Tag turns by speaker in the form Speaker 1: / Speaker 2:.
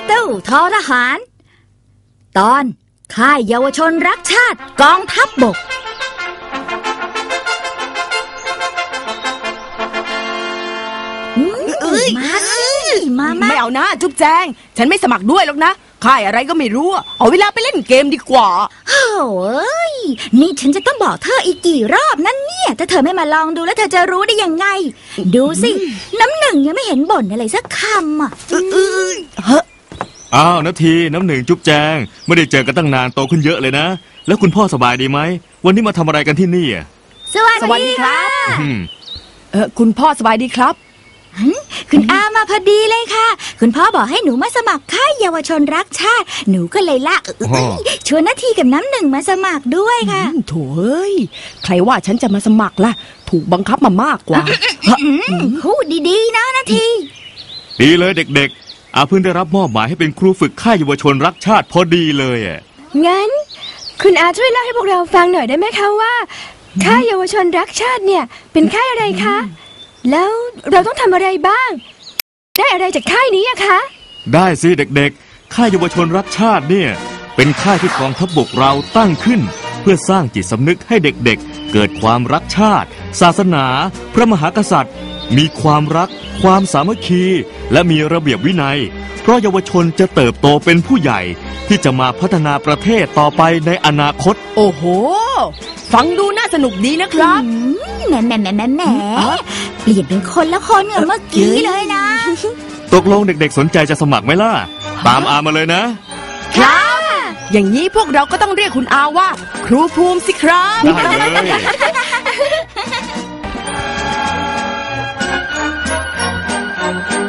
Speaker 1: ตู้ทอทหารตอนค่ายเยาวชนรักชาติกองทัพบกมาสิมา
Speaker 2: ไม่เอานะจุ๊บแจงฉันไม่สมัครด้วยหรอกนะค่ายอะไรก็ไม่รู้เอาเวลาไปเล่นเกมดีกว่า
Speaker 1: โอ้ยนี่ฉันจะต้องบอกเธออีกกี่รอบนั่นเนี่ยถ้าเธอไม่มาลองดูแล้วเธอจะรู้ได้ยังไงดูสิน้ำหนึ่งยังไม่เห็นบ่นอะไรสักคำอ่ะ
Speaker 3: อ้าวนาทีน้ำหนึ่งจุ๊บแจงไม่ได้เจอกันตั้งนานโตขึ้นเยอะเลยนะแล้วคุณพ่อสบายดีไหมวันนี้มาทำอะไรกันที่นี่
Speaker 1: สวัสดีครับ
Speaker 2: คุณพ่อสบายดีครับ
Speaker 1: คุณอามาพอดีเลยค่ะคุณพ่อบอกให้หนูมาสมัครค่ายเยาวชนรักชาติหนูก็เลยชวนนาทีกับน้ำหนึ่งมาสมัครด้วยค่ะ
Speaker 2: โถ่เอ้ยใครว่าฉันจะมาสมัครล่ะถูกบังคับมามากกว่า
Speaker 1: พูดดีๆนะนาที
Speaker 3: ดีเลยเด็กๆอาเพิ่งได้รับมอบหมายให้เป็นครูฝึกค่ายเยาวชนรักชาติพอดีเลย
Speaker 4: งั้นคุณอาช่วยเล่าให้พวกเราฟังหน่อยได้ไหมคะว่าค่ายเยาวชนรักชาติเนี่ยเป็นค่ายอะไรคะแล้วเราต้องทำอะไรบ้างได้อะไรจากค่ายนี้อะคะ
Speaker 3: ได้สิเด็กๆค่ายเยาวชนรักชาติเนี่ยเป็นค่ายที่กองทัพบกเราตั้งขึ้นเพื่อสร้างจิตสำนึกให้เด็กๆเกิดความรักชาติศาสนาพระมหากษัตริย์มีความรักความสามัคคีและมีระเบียบวินัยเพราะเยาวชนจะเติบโตเป็นผู้ใหญ่ที่จะมาพัฒนาประเทศต่อไปในอนาคต
Speaker 2: โอ้โหฟังดูน่าสนุกดีนะครับ
Speaker 1: แหมเปลี่ยนเป็นคนละคนเหมือนเมื่อกี้เลยนะ
Speaker 3: ตกลงเด็กๆสนใจจะสมัครไหมล่ะตามอามาเลย
Speaker 2: นะครับอย่างนี้พวกเราก็ต้องเรียกคุณอาว่าครูภูมิสิครับ
Speaker 3: ได้เลย